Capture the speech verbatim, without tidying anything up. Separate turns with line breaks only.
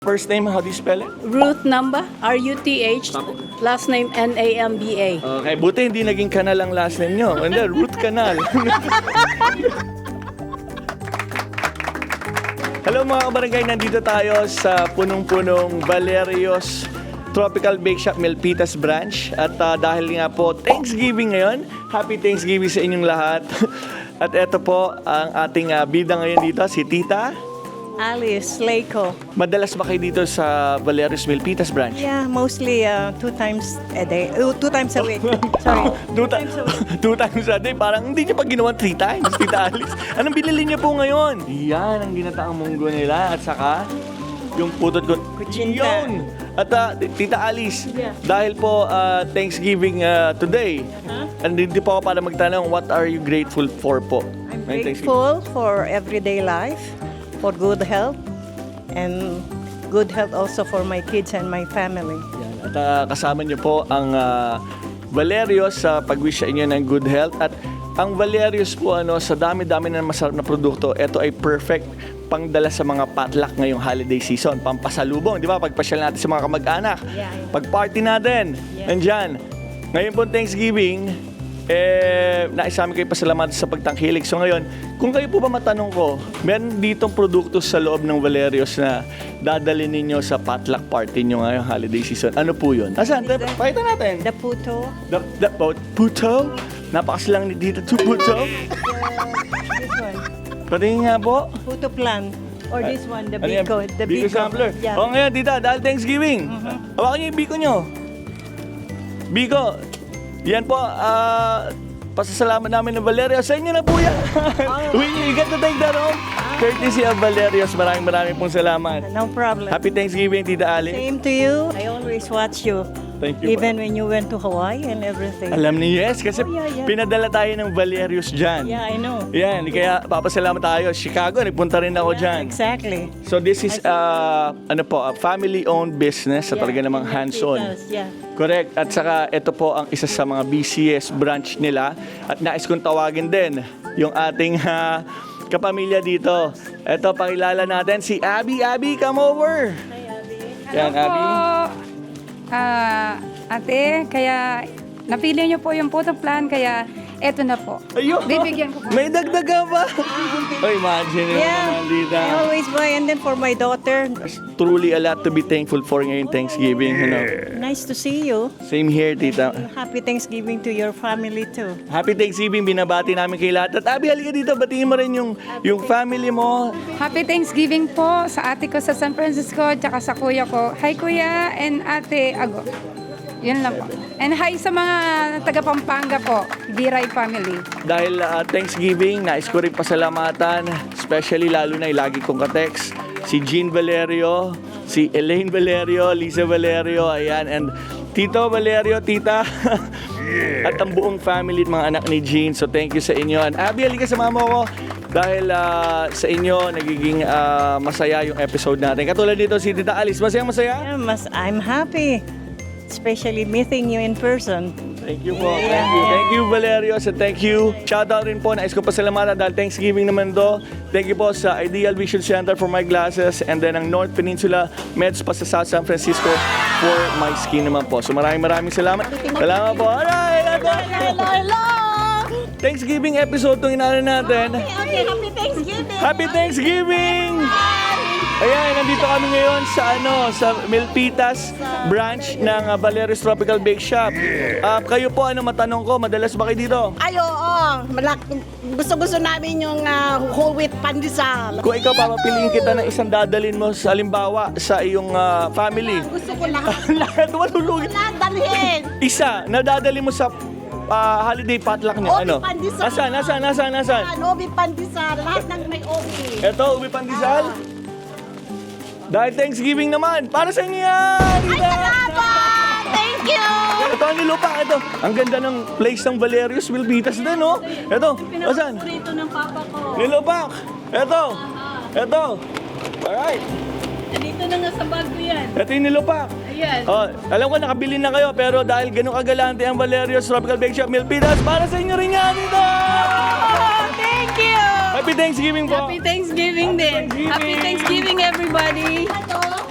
First name, how do you spell it?
Ruth Namba, R U T H, last name N A M B A.
Okay, buti hindi naging Canal ang last name nyo. Hindi, Ruth Canal. Hello mga kabarangay, nandito tayo sa punong-punong Valerio's Tropical Bake Shop Milpitas Branch. At uh, dahil nga po Thanksgiving ngayon, Happy Thanksgiving sa inyong lahat. At eto po ang ating uh, bida ngayon dito, si Tita
Alice Leiko.
Madalas ba kayo dito sa Valerio's Milpitas Branch?
Yeah, mostly uh, two times a day. Uh, two times a week. Sorry.
two, ta- two times a day. Parang hindi niyo pa ginawa three times, Tita Alice. Anong binili niyo po ngayon? Yan, ang ginataang munggo nila. At saka, yung putot ko.
Kuchinta.
Yun! At uh, Tita Alice,
Yeah.
dahil po uh, Thanksgiving uh, today,
Huh?
andito po ako para magtanong, what are you grateful for po?
I'm
ngayong Thanksgiving?
grateful for everyday life, for good health, and good health also for my kids and my family.
Yan. At uh, kasama niyo po ang uh, Valerio's sa pag-wish sa inyo ng good health. At ang Valerio's po, ano, sa dami-dami na masarap na produkto, ito ay perfect pangdala sa mga potluck ngayong holiday season. Pampasalubong, di ba? Pagpasyal natin sa mga kamag-anak.
Yeah, yeah.
Pag-party natin.
Yeah.
Nandyan. Ngayon po Thanksgiving, eh, naisami kayo pasalamat sa pagtangkilik. So ngayon, kung kayo po ba matanong ko, meron ditong produkto sa loob ng Valerio's na dadalhin ninyo sa potluck party nyo ngayong holiday season. Ano po yun? Asan?
Is that-
Pakita natin.
The puto,
The, the, oh, puto? Napakasilang ni dito to puto.
this one,
Patingin nga po.
puto plant, or this one, the
Ano yan?
biko, the
Biko
biko.
sampler.
Yeah.
O ngayon, tita, dahil Thanksgiving. Hawakan niyo yung biko nyo. Biko, yan po, ah, pasasalamat namin ng Valerio's. Sa inyo na po yan. We, you get to take that home. Courtesy of Valerio's. Maraming maraming pong salamat.
No problem.
Happy Thanksgiving, Tita Ali.
Same to you. I always watch you.
Thank you.
Even when you went to Hawaii and everything.
Alam ni yes, kasi
Oh, yeah, yeah.
pinadala tayo ng Valerio's dyan.
Yeah, I know.
Yan, kaya papasalamat tayo. Chicago, nagpunta rin ako dyan.
Exactly.
So this is uh, ano po, a family-owned business sa talaga namang hands-on.
Yeah.
Correct. At saka ito po ang isa sa mga B C S branch nila. At nais kong tawagin din yung ating uh, kapamilya dito. Ito, pakilala natin si Abby. Abby, come over. Yan, Abby.
Ah, ate, kaya napili niyo po yung photo plan, kaya eto na po.
Ayun.
Bibigyan ko po.
May dagdag ka ba? Oh, imagine yun
Yeah.
naman dito.
I always buy, and then for my daughter,
Truly a lot to be thankful for ngayong Thanksgiving. You know.
nice to see you.
Same here, tita.
Happy Thanksgiving to your family too.
Happy Thanksgiving, binabati namin kay lahat. At Abby, halika dito, batiin mo rin yung, yung family mo.
Happy Thanksgiving po sa ate ko sa San Francisco, tsaka sa kuya ko. Hi kuya and ate Ago. Yun lang po. And hi sa mga taga Pampanga po, Biray family.
Dahil uh, Thanksgiving, nais ko rin pasalamatan, especially lalo na yung lagi kong katext, si Jean Valerio, si Elaine Valerio, Lisa Valerio, ayan, and Tito Valerio, Tita, at ang buong family at mga anak ni Jean. So thank you sa inyo. And Abby, halika sa mama ko. Dahil uh, sa inyo, nagiging uh, masaya yung episode natin. Katulad dito si Tita Alice, masaya masaya?
Yeah, mas, I'm happy, especially meeting you in person.
Thank you po. Thank you. Thank you, Valerio. So thank you. Shoutout rin po. Nais ko pasalamatan dahil Thanksgiving naman do. Thank you po sa Ideal Vision Center for my glasses and then ang North Peninsula Meds pa sa South San Francisco for my skin naman po. So maraming maraming salamat. Salamat po. Alright!
Hello, hello!
Thanksgiving episode itong inaano natin.
Okay, happy Thanksgiving!
Happy Thanksgiving! Ayan, nandito kami ngayon sa ano, sa Milpitas branch ng uh, Valerio's Tropical Bake Shop. Ah, kayo po, ano matanong ko, madalas ba kayo dito?
Ay, oo. Malak- gusto-gusto namin yung uh, whole wheat pandesal.
Kung ikaw papapiliin kita ng isang dadalin mo sa halimbawa sa iyong ah, family.
Gusto ko lahat.
Lahat malulugi.
Lahat dalhin.
Isa na dadalin mo sa ah, holiday potluck niyo.
Obi
Ano?
pandesal.
Nasaan? Nasaan? Nasaan? Nasaan?
Ah, obi pandesal. Lahat ng may obi.
Ito, ubi pandesal. Dahil Thanksgiving naman, para sa inyo yan!
Ay, salamat! Thank you!
Ito ang nilupa, ito. Ang ganda ng place ng Valerio's Milpitas din, no? Ito, asan?
Paborito ng papa ko.
Nilupak! Ito! Ito! Alright!
Nandito na nga sa bag ko yan.
Ito yung nilupak.
Ayan.
Oh, alam ko nakabili na kayo, pero dahil ganun kagalante ang Valerio's Tropical Bake Shop Milpitas, para sa inyo rin yan dito!
Thank you!
Happy Thanksgiving po!
Happy Thanksgiving din.
Thanksgiving.
Happy Thanksgiving everybody.